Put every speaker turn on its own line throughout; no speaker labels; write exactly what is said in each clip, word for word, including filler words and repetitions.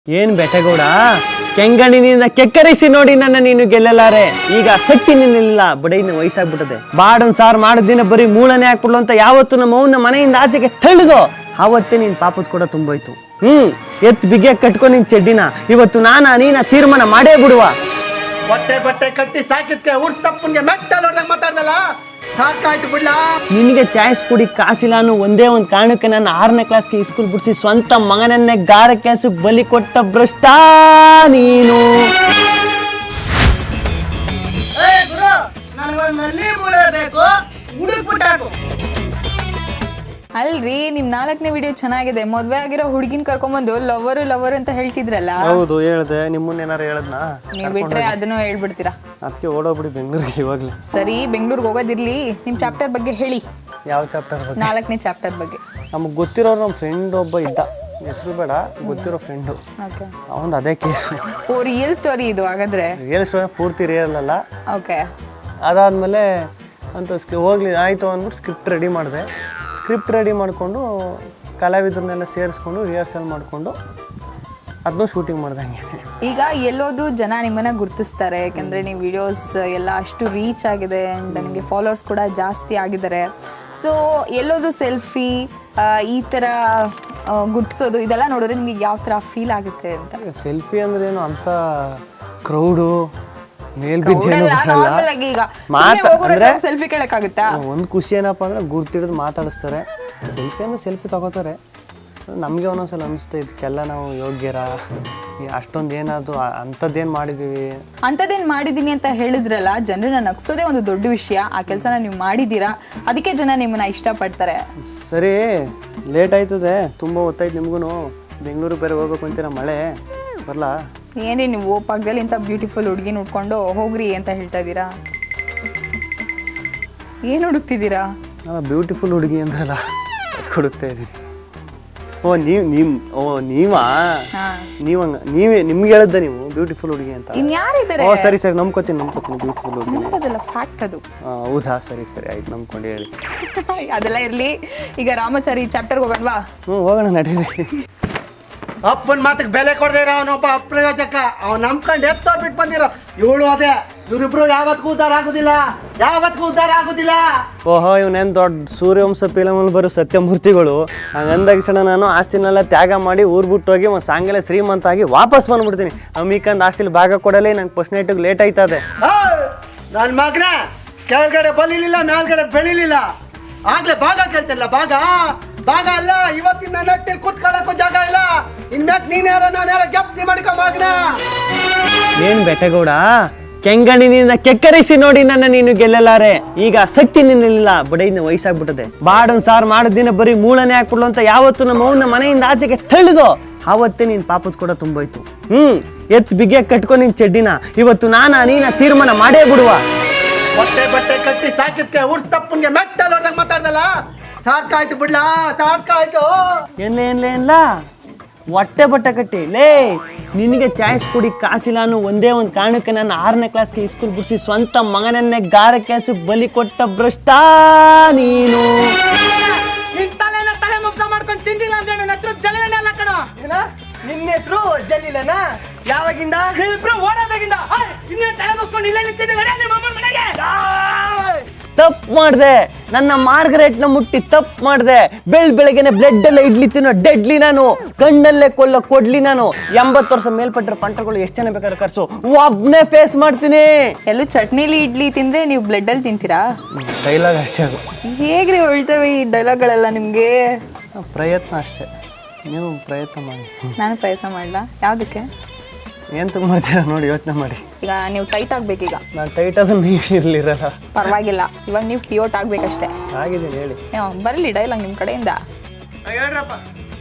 ಏನ್ ಬೆಟಗೌಡ ಕೆಂಗಣ್ಣಿನಿಂದ ಕೆಕ್ಕರಿಸಿ ನೋಡಿ ನನ್ನ ನೀನು ಗೆಲ್ಲಲಾರೆ. ಈಗ ಶಕ್ತಿ ನಿನ್ನಿಲ್ಲ, ಬಡೈನ ವಯಸ್ಸಾಗ್ಬಿಟ್ಟದೆ. ಬಾಡನ್ ಸಾರ್ ಮಾಡಿದ ದಿನ ಬರೀ ಮೂಳನೆ ಹಾಕ್ಬಿಡ್ಲು ಅಂತ ಯಾವತ್ತು ನಮ್ಮ ಅವನ ಮನೆಯಿಂದ ಆಚೆಗೆ ತಳ್ಳಿದೋ ಆವತ್ತೇ ನಿನ್ ಪಾಪದ ಕೂಡ ತುಂಬೋಯ್ತು. ಹ್ಮ್ ಎತ್ ಬಿಗೆ ಕಟ್ಕೊ ನಿನ್ ಚೆಡ್ಡಿನ. ಇವತ್ತು ನಾನ ನೀನ ತೀರ್ಮಾನ ಮಾಡೇ ಬಿಡುವ.
ಬಟ್ಟೆ ಬಟ್ಟೆ ಕಟ್ಟಿ ಸಾಕಿದ್ಕೆ ಊರ್ ತಪ್ಪನ್ಗೆ ಮೆಟ್ಟಲ್ ಹೊಡೆದಾಗ ಮಾತಾಡ್ದಲ್ಲ, ಸಾಕಾಯ್ತು ಬಿಡ್ಲಾ.
ನಿನಗೆ ಚಾಯ್ಸ್ ಕುಡಿ ಕಾಸಿಲ್ಲ ಅನ್ನೋ ಒಂದೇ ಒಂದು ಕಾರಣಕ್ಕೆ ನಾನು ಆರನೇ ಕ್ಲಾಸ್ಗೆ ಸ್ಕೂಲ್ ಬಿಡಿಸಿ ಸ್ವಂತ ಮಗನನ್ನೇ ಗಾರ ಕೆಲಸಕ್ಕೆ ಬಲಿ ಕೊಟ್ಟ ಭ್ರಷ್ಟ ನೀನು.
ಅಲ್ರಿ ನಿಮ್ ನಾಲ್ಕನೇ ವಿಡಿಯೋ ಚೆನ್ನಾಗಿದೆ. ಮದ್ವೆ ಆಗಿರೋ ಹುಡುಗಿನ ಕರ್ಕೊಂಡ್ಬಂದು ಲವರ್ ಲವರ್ ಅಂತ ಹೇಳ್ತಿದ್ರಲ್ಲ.
ಹೌದು ಹೇಳ್ದೆ, ನಿಮ್ಮನ್ನ ಏನಾರು ಹೇಳದ್ನ?
ನೀವ್ ಬಿಟ್ರೆ ಅದನ್ನು ಹೇಳ್ಬಿಡ್ತೀರಾ.
ಅದಕ್ಕೆ ಓಡೋಗ್ಬಿಡಿ ಬೆಂಗಳೂರಿಗೆ ಇವಾಗ್ಲೇ.
ಸರಿ ಬೆಂಗಳೂರಿಗೆ ಹೋಗೋದಿರ್ಲಿ, ನಿಮ್ ಚಾಪ್ಟರ್ ಬಗ್ಗೆ ಹೇಳಿ.
ಯಾವ ಚಾಪ್ಟರ್ ಬಗ್ಗೆ?
ನಾಲ್ಕನೇ ಚಾಪ್ಟರ್ ಬಗ್ಗೆ.
ನಮ್ಗೆ ಗೊತ್ತಿರೋರು ನಮ್ಮ ಫ್ರೆಂಡ್ ಒಬ್ಬ ಇದ್ದ, ಹೆಸರು ಬೇಡ, ಗೊತ್ತಿರೋ ಫ್ರೆಂಡು.
ಓಕೆ,
ಅವನ್ ಅದೇ ಕೇಸು.
ಓ ರಿಯಲ್ ಸ್ಟೋರಿ ಇದು ಹಾಗಾದ್ರೆ?
ರಿಯಲ್ ಸ್ಟೋರಿ ಪೂರ್ತಿ ರಿಯಲ್ ಅಲ್ಲ.
ಓಕೆ,
ಅದಾದ್ಮೇಲೆ ಅಂತ ಸ್ಕ್ರಿ ಹೋಗ್ಲಿ ಆಯಿತು ಅಂದ್ಬಿಟ್ಟು ಸ್ಕ್ರಿಪ್ಟ್ ರೆಡಿ ಮಾಡಿದೆ. ಸ್ಕ್ರಿಪ್ಟ್ ರೆಡಿ ಮಾಡಿಕೊಂಡು ಕಲಾವಿದ್ರನ್ನೆಲ್ಲ ಸೇರಿಸ್ಕೊಂಡು ರಿಹರ್ಸಲ್ ಮಾಡಿಕೊಂಡು ಅದನ್ನೂ ಶೂಟಿಂಗ್ ಮಾಡ್ದಂಗೆ.
ಈಗ ಎಲ್ಲೋದ್ರೂ ಜನ ನಿಮ್ಮನ್ನ ಗುರ್ತಿಸ್ತಾರೆ, ಯಾಕಂದ್ರೆ ನೀವು ವಿಡಿಯೋಸ್ ಎಲ್ಲ ಅಷ್ಟು ರೀಚ್ ಆಗಿದೆ ಆ್ಯಂಡ್ ನಿಮಗೆ ಫಾಲೋವರ್ಸ್ ಕೂಡ ಜಾಸ್ತಿ ಆಗಿದ್ದಾರೆ. ಸೊ ಎಲ್ಲೋದ್ರೂ ಸೆಲ್ಫಿ ಈ ಥರ ಗುರ್ತಿಸೋದು ಇದೆಲ್ಲ ನೋಡಿದ್ರೆ ನಿಮಗೆ ಯಾವ ಥರ ಫೀಲ್ ಆಗುತ್ತೆ ಅಂತ?
ಸೆಲ್ಫಿ ಅಂದ್ರೆ ಏನು ಅಂತ ಕ್ರೌಡು ಮೇಲ್ಬಿದ್ದೇನು
ಈಗ ಸೆಲ್ಫಿ ಕೇಳಕ್ಕಾಗುತ್ತಾ?
ಒಂದು ಖುಷಿ ಏನಪ್ಪ ಅಂದ್ರೆ ಗುರ್ತಿಡಿದು ಮಾತಾಡಿಸ್ತಾರೆ. ಸೆಲ್ಫಿ ಅಂದ್ರೆ ಸೆಲ್ಫಿ ತಗೋತಾರೆ. ನಮಗೆ ಒಂದೊಂದ್ಸಲ ಅನಿಸುತ್ತೆ ಇದಕ್ಕೆಲ್ಲ ನಾವು ಯೋಗ್ಯರ, ಅಷ್ಟೊಂದು ಏನಾದ್ರು ಅಂಥದ್ದೇನು ಮಾಡಿದ್ದೀವಿ.
ಅಂಥದ್ದೇನು ಮಾಡಿದ್ದೀನಿ ಅಂತ ಹೇಳಿದ್ರಲ್ಲ, ಜನರನ್ನ ನಗ್ಸೋದೇ ಒಂದು ದೊಡ್ಡ ವಿಷಯ. ಆ ಕೆಲಸನ ನೀವು ಮಾಡಿದ್ದೀರಾ, ಅದಕ್ಕೆ ಜನ ನಿಮ್ಮನ್ನ ಇಷ್ಟಪಡ್ತಾರೆ.
ಸರಿ, ಲೇಟ್ ಆಯ್ತದೆ, ತುಂಬ ಹೊತ್ತಾಯ್ತು ನಿಮ್ಗೂ. ಬೆಂಗಳೂರಿಗೆ ಬೇರೆ ಹೋಗ್ಬೇಕು ಅಂತೀರ, ಮಳೆ ಬರಲಾ?
ಏನೇ ನೀವು ಪಕ್ಕದಲ್ಲಿ ಇಂಥ ಬ್ಯೂಟಿಫುಲ್ ಹುಡುಗಿನ ಹುಡ್ಕೊಂಡು ಹೋಗ್ರಿ ಅಂತ ಹೇಳ್ತಾ ಇದ್ದೀರಾ? ಏನು ಹುಡುಕ್ತಿದ್ದೀರಾ?
ನಾನು ಬ್ಯೂಟಿಫುಲ್ ಹುಡುಗಿ ಅಂದ್ರಲ್ಲ, ಅದು ಹುಡುಕ್ತಾ ಇದ್ದೀನಿ. ಓ ನೀವು ನಿಮ್ಮ ಓ ನೀವಾ ನೀವು ಹಂಗ ನೀವೇ ನಿಮ್ಗೆ ಹೇಳಿದ್ದ ನೀವು ಬ್ಯೂಟಿಫುಲ್ ಹುಡುಗಿ ಅಂತ?
ಇನ್ಯಾರಿದ್ದಾರೆ?
ಓ ಸರಿ ಸರಿ, ನಂಬ್ಕೋತೀನಿ ನಂಬ್ಕೋತೀನಿ ಬ್ಯೂಟಿಫುಲ್ ಹುಡುಗಿ.
ನಂಬೋದಲ್ಲ, ಫ್ಯಾಕ್ಟ್ ಅದು.
ಹೌದಾ, ಸರಿ ಸರಿ ಆಯ್ತು, ನಂಬ್ಕೊಂಡು ಹೇಳಿ.
ಅದೆಲ್ಲ ಇರಲಿ, ಈಗ ರಾಮಚಾರಿ ಚಾಪ್ಟರ್ಗೆ ಹೋಗೋಣವಾ?
ಹ್ಞೂ ಹೋಗೋಣ, ನಡೀರಿ.
ಅಪ್ಪನ ಮಾತಿಗೆ ಬೆಲೆ ಕೊಡದೇ ಇರೋ ಅವನೊಬ್ಬ ಅಪ್ರಯೋಜಕ. ಅವ್ನು ನಂಬ್ಕೊಂಡು ಎತ್ತೋ ಬಿಟ್ಟು ಬಂದಿರೋ ಇವಳು ಅದೇ. ಇವ್ರಿಬ್ರು ಯಾವತ್ತಿಗೂ ಉದ್ಧಾರ ಆಗುದಿಲ್ಲ, ಯಾವತ್ತಿಗೂ ಉದ್ಧಾರ ಆಗುದಿಲ್ಲ.
ಓಹೋ, ಇವನೇನು ದೊಡ್ಡ ಸೂರ್ಯವಂಶ ಫಿಲಮಲ್ಲಿ ಬರೋ ಸತ್ಯಮೂರ್ತಿಗಳು. ಹಂಗಂದಾಗಿಕ್ಷಣ ನಾನು ಆಸ್ತಿನೆಲ್ಲ ತ್ಯಾಗ ಮಾಡಿ ಊರು ಬಿಟ್ಟು ಹೋಗಿ ಒಂದು ಸಾಂಗೆಲ್ಲ ಶ್ರೀಮಂತ ಆಗಿ ವಾಪಸ್ ಬಂದ್ಬಿಡ್ತೀನಿ. ಅಮ್ಮಿಕಂದು ಆಸ್ತಿಲಿ ಭಾಗ ಕೊಡಲೇ ನಂಗೆ ಫಸ್ಟ್ ನೈಟಿಗೆ ಲೇಟ್ ಆಯ್ತದೆ.
ನನ್ನ ಮಗನ ಕೆಳಗಡೆ ಬಲಿಲಿಲ್ಲ, ಮೇಲ್ಗಡೆ ಬೆಳಿಲಿಲ್ಲ, ಆಗ್ಲೇ ಭಾಗ ಕೇಳ್ತಿಲ್ಲ. ಭಾಗ ಭಾಗ ಅಲ್ಲ, ಇವತ್ತಿನ ನಟ್ಟಿ ಕೂತ್ಕೊಳ್ಳಕ್ಕೂ ಜಾಗ ಇಲ್ಲ. ಇನ್ಮ್ಯಾಕ್ ನೀನ್ ಯಾರೋ ನಾನು ಯಾರೋ ಜಪ್ತಿ ಮಾಡ್ಕೊ ಮಗನ.
ಏನ್ ಬೆಟಗೌಡ ಕೆಂಗಣ್ಣಿನಿಂದ ಕೆಕ್ಕರಿಸಿ ನೋಡಿ ನನ್ನ ನೀನು ಗೆಲ್ಲಲಾರೆ. ಈಗ ಶಕ್ತಿ ನಿನ್ನಿಲ್ಲ, ಬಡೈನ ವಯಸ್ಸಾಗ್ಬಿಟ್ಟದೆ. ಬಾಡನ್ ಸಾರ್ ಮಾಡಿದ ದಿನ ಬರೀ ಮೂಳನೆ ಹಾಕ್ಬಿಡ್ಲು ಅಂತ ಯಾವತ್ತು ನಮ್ಮ ಅವನ ಮನೆಯಿಂದ ಆಚೆಗೆ ತಳ್ಳಿದೋ ಆವತ್ತೇ ನಿನ್ ಪಾಪದ ಕೂಡ ತುಂಬೋಯ್ತು. ಹ್ಮ್ ಎತ್ ಬಿಗೆ ಕಟ್ಕೊ ನಿನ್ ಚೆಡ್ಡಿನ. ಇವತ್ತು ನಾನ ನೀನ ತೀರ್ಮಾನ ಮಾಡೇ ಬಿಡುವ.
ಬಟ್ಟೆ ಬಟ್ಟೆ ಕಟ್ಟಿ ಸಾಕಿದ್ಕೆ ಊರ್ ತಪ್ಪನ್ಗೆ ಮೆಟ್ಟಲ್ ಹೊಡೆದಾಗ ಮಾತಾಡ್ದಲ್ಲ, ಸಾಕಾಯ್ತು ಬಿಡ್ಲಾ, ಸಾಕಾಯ್ತು.
ಏನ್ಲೇ ಏನ್ಲೇ ಏನ್ಲ ಹೊಟ್ಟೆ ಬಟ್ಟೆ ಕಟ್ಟಿ ಲೇ. ನಿನಗೆ ಚಾಯ್ಸ್ ಕುಡಿ ಕಾಸಿಲ್ಲ ಅನ್ನೋ ಒಂದೇ ಒಂದು ಕಾರಣಕ್ಕೆ ನಾನು ಆರನೇ ಕ್ಲಾಸ್ಗೆ ಸ್ಕೂಲ್ ಬಿಡಿಸಿ ಸ್ವಂತ ಮಗನನ್ನೇ ಗಾರ ಕೆಲಸಕ್ಕೆ ಬಲಿ ಕೊಟ್ಟ ಭ್ರಷ್ಟ ನೀನು.
ತಲೆ ಮುಗ್ಸ ಮಾಡ್ಕೊಂಡು ತಿಂದಿಲ್ಲ ಅಂದ್ರೆ ನನ್ನ ಹೆಸರು ಜಲೀಲನೇ ಅಲ್ಲ ಕಣ.
ನಿನ್ನ ಹೆಸರು ಜಲೀಲನ? ಯಾವಾಗಿಂದ?
ಇಬ್ರು ಓಡೋದಾಗಿಂದ. ಇನ್ನೇ ತಲೆ ಮುಗ್ಸ್ಕೊಂಡು ಇಲ್ಲೇ ನಿಂತಿದ್ದೆ ನಿಮ್ಮ ಅಮ್ಮನ ಮನೆಗೆ.
ತಪ್ಪು ಮಾಡಿದೆ, ನನ್ನ ಮಾರ್ಗರೇಟ್ನ ಮುಟ್ಟಿ ತಪ್ಪು ಮಾಡಿದೆ. ಬೆಳ್ ಬೆಳಗ್ಗೆನೆ ಬ್ಲಡ್ ಎಲ್ಲ ಇಡ್ಲಿ ತಿನ್ನೋ ಡೆಡ್ಲಿ ನಾನು, ಕಣ್ಣಲ್ಲೇ ಕೊಲ್ಲೋ ಕೊಡ್ಲಿ ನಾನು. ಎಂಬತ್ತು ವರ್ಷ ಮೇಲ್ಪಟ್ಟರೆ ಪಂಟಗಳು ಎಷ್ಟು ಜನ ಬೇಕಾದ್ರೆ ಕರ್ಸು, ಒಬ್ನೇ ಫೇಸ್ ಮಾಡ್ತೀನಿ.
ಎಲ್ಲೂ ಚಟ್ನಿಲಿ ಇಡ್ಲಿ ತಿಂದ್ರೆ ನೀವು ಬ್ಲಡ್ ಅಲ್ಲಿ ತಿಂತೀರಾ?
ಡೈಲಾಗ್ ಅಷ್ಟೇ ಅದು.
ಹೇಗ್ರಿ ಹೊಳ್ತವೆ ಈ ಡೈಲಾಗ್ಗಳೆಲ್ಲ ನಿಮ್ಗೆ?
ಪ್ರಯತ್ನ ಅಷ್ಟೇ, ನೀವು ಪ್ರಯತ್ನ ಮಾಡಿ.
ನಾನು ಪ್ರಯತ್ನ ಮಾಡಲ್ಲ. ಯಾವ್ದಕ್ಕೆ?
ಏನು ಮಾಡ್ತೀರಾ ನೋಡಿ, ಯೋಚನೆ ಮಾಡಿ.
ಈಗ ನೀವು ಟೈಟ್ ಆಗ್ಬೇಕೀಗ.
ನಾನು ಟೈಟ್ ಆದ್ರೆ ನೀವು ಇರಲಿರಲ್ಲ.
ಪರವಾಗಿಲ್ಲ, ಇವಾಗ ನೀವು ಟಿಯೋಟ್ ಆಗ್ಬೇಕಷ್ಟೇ.
ಆಗಿದ್ದೀನಿ ಹೇಳಿ.
ಬರಲಿ ಡೈಲಾಗ್ ನಿಮ್ಮ ಕಡೆಯಿಂದ.
ಹೇಳ್ರಪ್ಪ,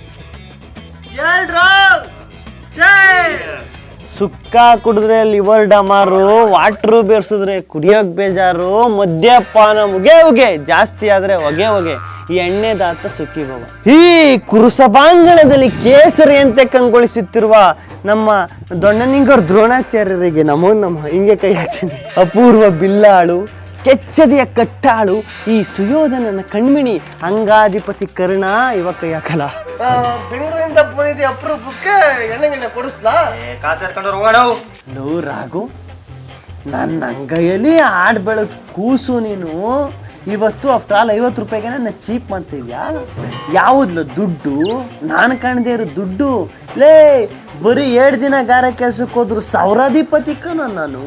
ಸುಕ್ಕ ಕುಡಿದ್ರೆ ಲಿವರ್ ಡಮಾರು, ವಾಟ್ರು ಬೇರ್ಸಿದ್ರೆ ಕುಡಿಯೋಕ್ ಬೇಜಾರು, ಮದ್ಯಪಾನ ಮುಗೆ ಉಗೆ ಜಾಸ್ತಿ ಆದ್ರೆ ಹೊಗೆ ಹೊಗೆ, ಈ ಎಣ್ಣೆ ದಾತ ಸುಖಿ ಭವ. ಈ ಕುರುಸಭಾಂಗಣದಲ್ಲಿ ಕೇಸರಿಯಂತೆ ಕಂಗೊಳಿಸುತ್ತಿರುವ ನಮ್ಮ ದೊಣ್ಣನಿಂಗವ್ರ ದ್ರೋಣಾಚಾರ್ಯರಿಗೆ ನಮೋ ನಮ್ಮ ಹಿಂಗೆ ಕೈ ಹಾಕ್ತೀನಿ. ಅಪೂರ್ವ ಬಿಲ್ಲಾಳು, ಕೆಚ್ಚದೆಯ ಕಟ್ಟಾಳು ಈ ಸುಯೋಧನನ ಕಣ್ಮಿಣಿ ಅಂಗಾಧಿಪತಿ ಕರ್ಣ ಇವ ಕೈ ಹಾಕಲ್ಲ.
ಬೆಂಗಳೂರಿಂದ ಬಂದಿದ್ದೆ ಅಪರೂಪಕ್ಕೆ ಎಣ್ಣೆಗಿನ್ನ ಕೊಡಿಸ್ಲಾ?
ಕಾಸು ಎತ್ಕೊಂಡು ಹೋಗೋಣ. ಲೋ ರಾಘು, ನನ್ನ ಅಂಗೈಯಲ್ಲಿ ಆಡ್ ಬೆಳೆದ ಕೂಸು ನೀನು ಇವತ್ತು ಆಫ್ಟರ್ ಆಲ್ ಐವತ್ತು ರೂಪಾಯಿಗೆ ನನ್ನ ಚೀಪ್ ಮಾಡ್ತಿದ್ಯಾ? ಯಾವುದ್ಲ ದುಡ್ಡು? ನಾನು ಕಾಣದೇ ಇರೋ ದುಡ್ಡು ಲೇ. ಬರೀ ಎರಡು ದಿನ ಗಾರ ಕೆಲ್ಸಕ್ಕೆ ಹೋದ್ರು ಸಾವಿರಾಧಿಪತಿ ಕಣ ನಾನು.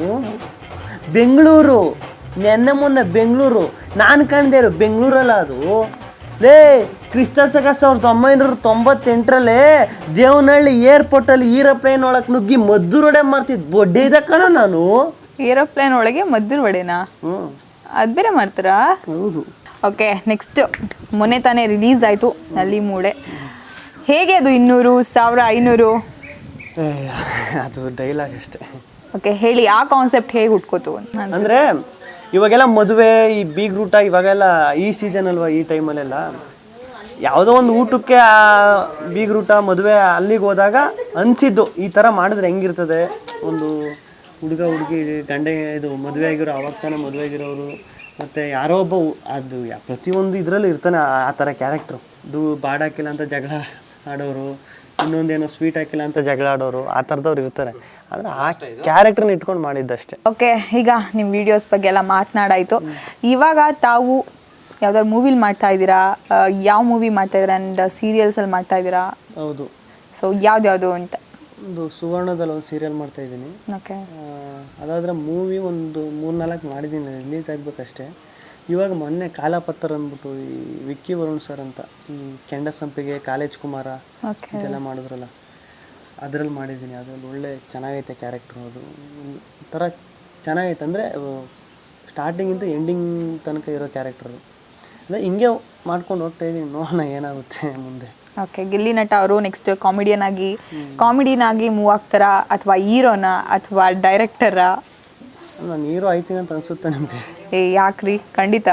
ಬೆಂಗಳೂರು ನೆನ್ನೆ ಮೊನ್ನೆ ಬೆಂಗಳೂರು, ನಾನು ಕಾಣದೇ ಇರೋ ಬೆಂಗಳೂರಲ್ಲ ಅದು ಲೇ. ಕ್ರಿಸ್ತ ಶಕ ಸಾವಿರದ ಒಂಬೈನೂರ ತೊಂಬತ್ತೆಂಟರಲ್ಲೇ ದೇವನಹಳ್ಳಿ ಏರ್ಪೋರ್ಟಲ್ಲಿ ಏರೋಪ್ಲೇನ್ ಒಳಗೆ ನುಗ್ಗಿ ಮದ್ದೂರೊಡೆ ಮಾಡ್ತಿದ್ದು ಬೊಡ್ಡೆ ಇದೆ ಕಣ ನಾನು.
ಏರೋಪ್ಲೇನ್ ಒಳಗೆ ಮದ್ದೂರು ವಡೆನಾ?
ಹ್ಞೂ
ಅದು ಬೇರೆ ಮಾಡ್ತಾರಾ?
ಹೌದು.
ಓಕೆ, ನೆಕ್ಸ್ಟ್ ಮೊನ್ನೆ ತಾನೇ ರಿಲೀಸ್ ಆಯಿತು ನಲ್ಲಿ ಮೂಳೆ. ಹೇಗೆ ಅದು ಇನ್ನೂರು ಸಾವಿರ ಐನೂರು?
ಏ ಅದು ಡೈಲಾಗ್ ಅಷ್ಟೇ.
ಓಕೆ, ಹೇಳಿ ಆ ಕಾನ್ಸೆಪ್ಟ್ ಹೇಗೆ ಹುಟ್ಕೋತು ಅಂತ.
ಅಂದರೆ ಇವಾಗೆಲ್ಲ ಮದುವೆ ಈ ಬೀಗ್ ಊಟ ಇವಾಗೆಲ್ಲ ಈ ಸೀಸನ್ ಅಲ್ವಾ, ಈ ಟೈಮಲ್ಲೆಲ್ಲ ಯಾವುದೋ ಒಂದು ಊಟಕ್ಕೆ ಆ ಬೀಗ್ ಊಟ ಮದುವೆ ಅಲ್ಲಿಗೆ ಹೋದಾಗ ಅನಿಸಿದ್ದು ಈ ಥರ ಮಾಡಿದ್ರೆ ಹೆಂಗಿರ್ತದೆ. ಒಂದು ಹುಡುಗ ಹುಡುಗಿ ಗಂಡ ಇದು ಮದುವೆ ಆಗಿರೋ ಅವಾಗ ತಾನೇ ಮದುವೆ ಆಗಿರೋರು ಮತ್ತು ಯಾರೋ ಒಬ್ಬ ಅದು ಪ್ರತಿಯೊಂದು ಇದರಲ್ಲೂ ಇರ್ತಾನೆ ಆ ಥರ ಕ್ಯಾರೆಕ್ಟ್ರು. ಇದು ಬಾಡ್ ಹಾಕಿಲ್ಲ ಅಂತ ಜಗಳ ಆಡೋರು, ಇನ್ನೊಂದೇನೋ ಸ್ವೀಟ್ ಹಾಕಿಲ್ಲ ಅಂತ ಜಗಳ ಆಡೋರು, ಆ ಥರದವ್ರು ಇರ್ತಾರೆ. ಆದರೆ ಆ ಕ್ಯಾರೆಕ್ಟ್ರನ್ನ ಇಟ್ಕೊಂಡು ಮಾಡಿದ್ದಷ್ಟೇ.
ಓಕೆ, ಈಗ ನಿಮ್ಮ ವಿಡಿಯೋಸ್ ಬಗ್ಗೆ ಎಲ್ಲ ಮಾತನಾಡಾಯಿತು. ಇವಾಗ ತಾವು ಯಾವ್ದಾದ್ರು ಮೂವಿಲಿ ಮಾಡ್ತಾ ಇದ್ದೀರಾ? ಯಾವ ಮೂವಿ ಮಾಡ್ತಾ ಇದ್ದೀರಾ? ಆ್ಯಂಡ್ ಸೀರಿಯಲ್ಸಲ್ಲಿ ಮಾಡ್ತಾ ಇದ್ದೀರಾ?
ಹೌದು.
ಸೊ ಯಾವ್ದ್ಯಾವುದು ಅಂತ?
ಒಂದು ಸುವರ್ಣದಲ್ಲಿ ಒಂದು ಸೀರಿಯಲ್ ಮಾಡ್ತಾಯಿದ್ದೀನಿ.
ಓಕೆ.
ಅದಾದರೆ ಮೂವಿ ಒಂದು ಮೂರು ನಾಲ್ಕು ಮಾಡಿದ್ದೀನಿ, ರಿಲೀಸ್ ಆಗಬೇಕಷ್ಟೇ. ಇವಾಗ ಮೊನ್ನೆ ಕಾಲಪತ್ರ ಅಂದ್ಬಿಟ್ಟು ಈ ವಿಕ್ಕಿ ವರುಣ್ ಸರ್ ಅಂತ ಈ ಕೆಂಡ ಸಂಪಿಗೆ ಕಾಲೇಜ್ ಕುಮಾರ ಇದೆಲ್ಲ ಮಾಡಿದ್ರಲ್ಲ, ಅದರಲ್ಲಿ ಮಾಡಿದ್ದೀನಿ. ಅದ್ರಲ್ಲಿ ಒಳ್ಳೆ ಚೆನ್ನಾಗೈತೆ ಕ್ಯಾರೆಕ್ಟ್ರು. ಅದು ಒಂಥರ ಚೆನ್ನಾಗೈತೆ ಅಂದರೆ ಸ್ಟಾರ್ಟಿಂಗಿಂದ ಎಂಡಿಂಗ್ ತನಕ ಇರೋ ಕ್ಯಾರೆಕ್ಟ್ರು. ಅದೇ ಹಿಂಗೆ ಮಾಡ್ಕೊಂಡು ಹೋಗ್ತಾಯಿದ್ದೀನಿ, ನೋಡೋಣ ಏನಾಗುತ್ತೆ ಮುಂದೆ.
ಓಕೆ, ಗಿಲ್ಲಿ ನಟ ಅವರು ನೆಕ್ಸ್ಟ್ ಕಾಮಿಡಿಯನ್ ಆಗಿ ಕಾಮಿಡಿಯನ್ ಮೂವ್ ಆಗ್ತಾರಾ ಅಥವಾ ಹೀರೋನ ಅಥವಾ ಡೈರೆಕ್ಟರಾ?
ನಾನು ಹೀರೋ ಆಯ್ತೀನಿ ಅಂತ ಅನ್ಸುತ್ತೆ ನಿಮಗೆ?
ಏ ಯಾಕ್ರಿ, ಖಂಡಿತ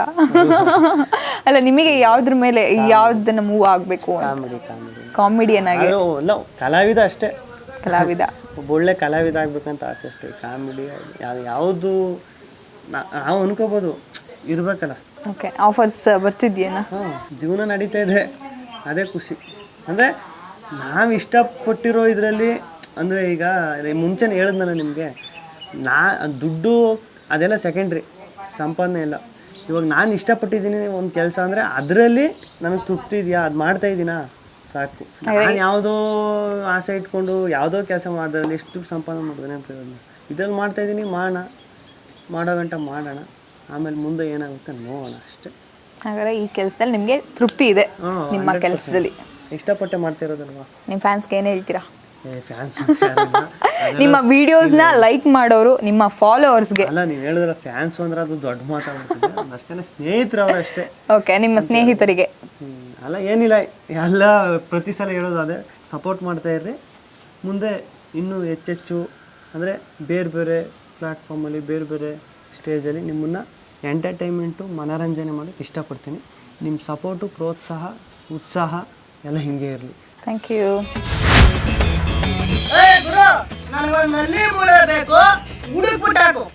ಅಲ್ಲ. ನಿಮಗೆ ಯಾವುದ್ರ ಮೇಲೆ ಯಾವುದನ್ನ ಮೂವ್ ಆಗಬೇಕು?
ಕಾಮಿಡಿ ಕಾಮಿಡಿ
ಕಾಮಿಡಿಯನ್ ಆಗಿ
ಇಲ್ಲ, ಕಲಾವಿದ ಅಷ್ಟೇ.
ಕಲಾವಿದ,
ಒಬ್ಬ ಒಳ್ಳೆ ಕಲಾವಿದ ಆಗ್ಬೇಕಂತ ಆಸೆ ಅಷ್ಟೇ. ಕಾಮಿಡಿ ಯಾವುದು ನಾವು ಅನ್ಕೋಬೋದು, ಇರಬೇಕಲ್ಲ.
ಓಕೆ, ಆಫರ್ಸ್ ಬರ್ತಿದ್ಯೇನಾ?
ಹಾಂ, ಜೀವನ ನಡೀತಾ ಇದೆ, ಅದೇ ಖುಷಿ. ಅಂದರೆ ನಾವು ಇಷ್ಟಪಟ್ಟಿರೋ ಇದರಲ್ಲಿ ಅಂದರೆ ಈಗ ಮುಂಚೆನೇ ಹೇಳಿದ್ನಲ್ಲ ನಿಮಗೆ, ನಾ ದುಡ್ಡು ಅದೆಲ್ಲ ಸೆಕೆಂಡ್ರಿ, ಸಂಪಾದನೆ ಇಲ್ಲ. ಇವಾಗ ನಾನು ಇಷ್ಟಪಟ್ಟಿದ್ದೀನಿ ಒಂದು ಕೆಲಸ ಅಂದರೆ ಅದರಲ್ಲಿ ನನಗೆ ತೃಪ್ತಿ ಇದೆಯಾ, ಅದು ಮಾಡ್ತಾಯಿದ್ದೀನಾ ಸಾಕು. ನಾನು ಯಾವುದೋ ಆಸೆ ಇಟ್ಕೊಂಡು ಯಾವುದೋ ಕೆಲಸ ಮಾಡೋದ್ರಲ್ಲಿ ಎಷ್ಟು ದುಡ್ಡು ಸಂಪಾದನೆ ಮಾಡಿದ್ರೆ ಪ್ರಯೋಜನ. ಇದರಲ್ಲಿ ಮಾಡ್ತಾಯಿದ್ದೀನಿ, ಮಾಡೋಣ, ಮಾಡೋ ಗಂಟ ಮಾಡೋಣ, ಆಮೇಲೆ ಮುಂದೆ ಏನಾಗುತ್ತೆ ನೋಡೋಣ ಅಷ್ಟೇ.
ಹಾಗಾದ್ರೆ ಈ ಕೆಲಸದಲ್ಲಿ ನಿಮಗೆ ತೃಪ್ತಿ ಇದೆ? ನಿಮ್ಮ ಕೆಲಸದಲ್ಲಿ
ಇಷ್ಟಪಟ್ಟೆ ಮಾಡ್ತಿರೋದಲ್ವಾ.
ನಿಮ್ಮ ಫ್ಯಾನ್ಸ್ಗೆ ಏನು ಹೇಳ್ತೀರಾ?
ಫ್ಯಾನ್ಸ್
ನಿಮ್ಮ ವಿಡಿಯೋಸ್ನ ಲೈಕ್ ಮಾಡೋರು, ನಿಮ್ಮ ಫಾಲೋವರ್ಸ್ಗೆ?
ಅಲ್ಲ, ನೀವು ಹೇಳಿದ್ರೆ ಫ್ಯಾನ್ಸ್ ಅಂದ್ರೆ ಅದು ದೊಡ್ಡ ಮಾತಾಡ್ಬಿಡ್ತದೆ. ಅಷ್ಟೇ, ಸ್ನೇಹಿತರು ಅವರು ಅಷ್ಟೇ.
ಓಕೆ, ನಿಮ್ಮ ಸ್ನೇಹಿತರಿಗೆ?
ಅಲ್ಲ, ಏನಿಲ್ಲ, ಎಲ್ಲ ಪ್ರತಿ ಸಲ ಹೇಳೋದು ಅದೇ, ಸಪೋರ್ಟ್ ಮಾಡ್ತಾ ಇರ್ರಿ. ಮುಂದೆ ಇನ್ನೂ ಹೆಚ್ಚೆಚ್ಚು ಅಂದರೆ ಬೇರೆ ಬೇರೆ ಪ್ಲ್ಯಾಟ್ಫಾರ್ಮಲ್ಲಿ ಬೇರೆ ಬೇರೆ ಸ್ಟೇಜಲ್ಲಿ ನಿಮ್ಮನ್ನು ಎಂಟರ್ಟೈನ್ಮೆಂಟು ಮನೋರಂಜನೆ ಮಾಡೋಕ್ಕೆ ಇಷ್ಟಪಡ್ತೀನಿ. ನಿಮ್ಮ ಸಪೋರ್ಟು, ಪ್ರೋತ್ಸಾಹ, ಉತ್ಸಾಹ ಎಲ್ಲ ಹಿಂಗೆ ಇರಲಿ.
Thank you.
ನನಗೊಂದು ನಲ್ಲಿ ಮೂಳೆ ಬೇಕು, ಹುಡುಕ್ಬಿಟ್ಟಾಕು.